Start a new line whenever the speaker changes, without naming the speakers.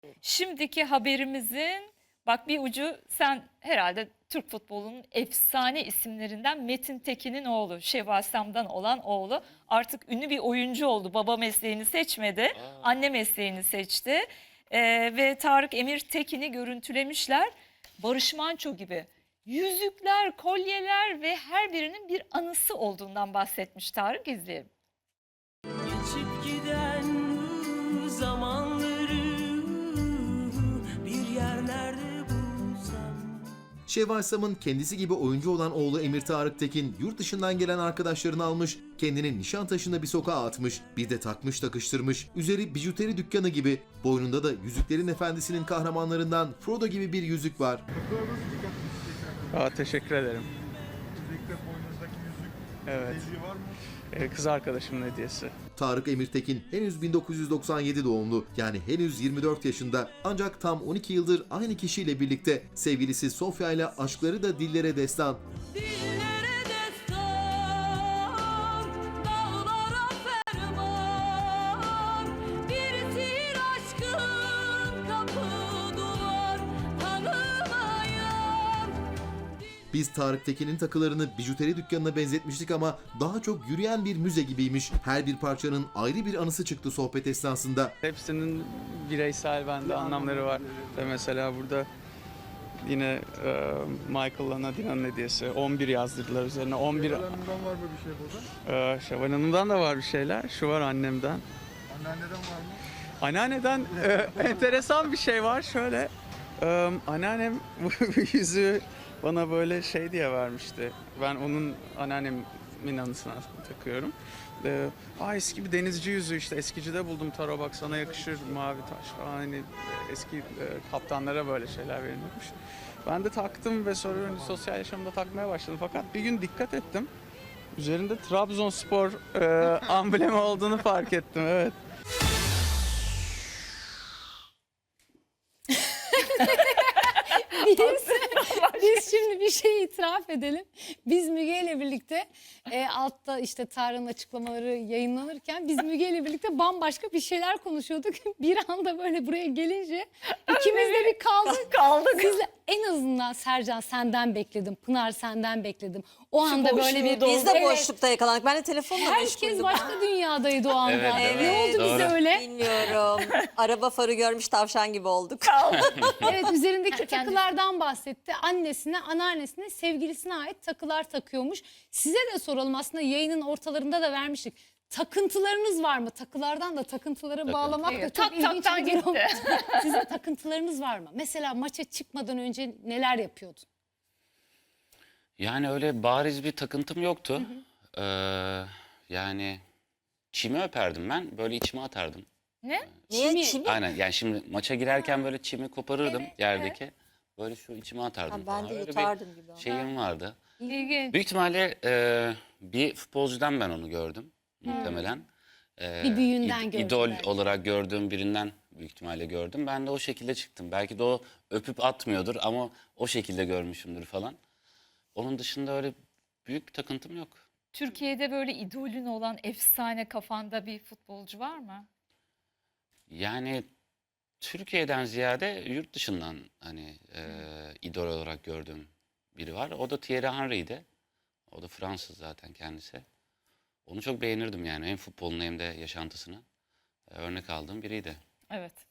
Şimdiki haberimizin bak bir ucu, sen herhalde Türk futbolunun efsane isimlerinden Metin Tekin'in oğlu, Şevval olan oğlu artık ünlü bir oyuncu oldu. Baba mesleğini seçmedi, anne mesleğini seçti. Ve Tarık Emir Tekin'i görüntülemişler. Barış Manço gibi yüzükler, kolyeler ve her birinin bir anısı olduğundan bahsetmiş Tarık, izleyelim.
Geçip giden zamanları bir yerlerde bulsam.
Şevval Sam'ın kendisi gibi oyuncu olan oğlu Emir Tarık Tekin yurt dışından gelen arkadaşlarını almış, kendini Nişantaşı'nda bir sokağa atmış, bir de takmış takıştırmış, üzeri bijuteri dükkanı gibi, boynunda da Yüzüklerin Efendisi'nin kahramanlarından Frodo gibi bir yüzük var.
Teşekkür ederim.
Özellikle boynunuzdaki yüzük
Evet.
hediye var mı?
Kız arkadaşımın hediyesi.
Tarık Emir Tekin henüz 1997 doğumlu, yani henüz 24 yaşında, ancak tam 12 yıldır aynı kişiyle birlikte. Sevgilisi Sofya ile aşkları da dillere destan.
Dillere destan, dağlara ferman. Bir tir aşkın kapı duvar tanımayan.
Biz Tarık Tekin'in takılarını bijuteri dükkanına benzetmiştik ama daha çok yürüyen bir müze gibiymiş. Her bir parçanın ayrı bir anısı çıktı sohbet esnasında.
Hepsinin bireysel bende anlamları var. Ve mesela burada yine Michael'la Nadine'nin hediyesi. 11 yazdırdılar üzerine. 11.
Hanımdan var mı bir şey burada?
Şevval Hanım'dan da var bir şeyler. Şu var annemden.
Anneanneden var mı?
Anneanneden enteresan bir şey var. Şöyle anneannem bu yüzüğü bana böyle şey diye vermişti. Ben onun anneannemin anısına takıyorum. Eski bir denizci yüzüğü, işte eskicide buldum, taro bak sana yakışır, mavi taş falan, hani eski kaptanlara böyle şeyler verilmiş. Ben de taktım ve sonra sosyal yaşamda takmaya başladım. Fakat bir gün dikkat ettim. Üzerinde Trabzonspor amblemi olduğunu fark ettim. Evet.
Biz şimdi bir şey itiraf edelim. Biz Müge ile birlikte altta işte Tarık'ın açıklamaları yayınlanırken biz Müge ile birlikte bambaşka bir şeyler konuşuyorduk. Bir anda böyle buraya gelince ikimiz de bir kaldık. Sizle en azından Sercan senden bekledim. Pınar senden bekledim. O anda böyle bir...
Biz de
Evet,
boşlukta yakalandık. Ben de telefonla
herkes
meşguldüm.
başka dünyadaydı o anda.
Evet,
Ne
evet,
oldu bize
doğru.
öyle?
Bilmiyorum. Araba farı görmüş tavşan gibi olduk.
Evet, üzerindeki takılardan bahsetti. Annesine, anneannesine, sevgilisine ait takılar takıyormuş. Size de soralım, aslında yayının ortalarında da vermiştik. Takıntılarınız var mı? Takılardan da takıntılara bağlamak da
Evet,
çok
tak
ilginç
taktan
bir durum.
gitti.
Sizin takıntılarınız var mı? Mesela maça çıkmadan önce neler yapıyordun?
Yani öyle bariz bir takıntım yoktu. Yani çimi öperdim ben. Böyle içime atardım.
Ne?
Niye? Çimi?
Aynen, yani şimdi maça girerken böyle çimi koparırdım yerdeki. Böyle şu içime
Ha,
atardım
ben
falan.
de
Öyle
yutardım gibi.
bir şeyim vardı.
İlginç.
Büyük ihtimalle bir futbolcudan ben onu gördüm muhtemelen.
Bir büyüğünden gördün
İdol
belki.
olarak gördüğüm birinden büyük ihtimalle gördüm. Ben de o şekilde çıktım. Belki de o öpüp atmıyordur ama o şekilde görmüşümdür falan. Onun dışında öyle büyük bir takıntım yok.
Türkiye'de böyle idolün olan efsane kafanda bir futbolcu var mı?
Yani Türkiye'den ziyade yurt dışından hani idol olarak gördüğüm biri var. O da Thierry Henry'ydi. O da Fransız zaten kendisi. Onu çok beğenirdim yani, hem futbolunu hem de yaşantısını örnek aldığım biriydi.
Evet.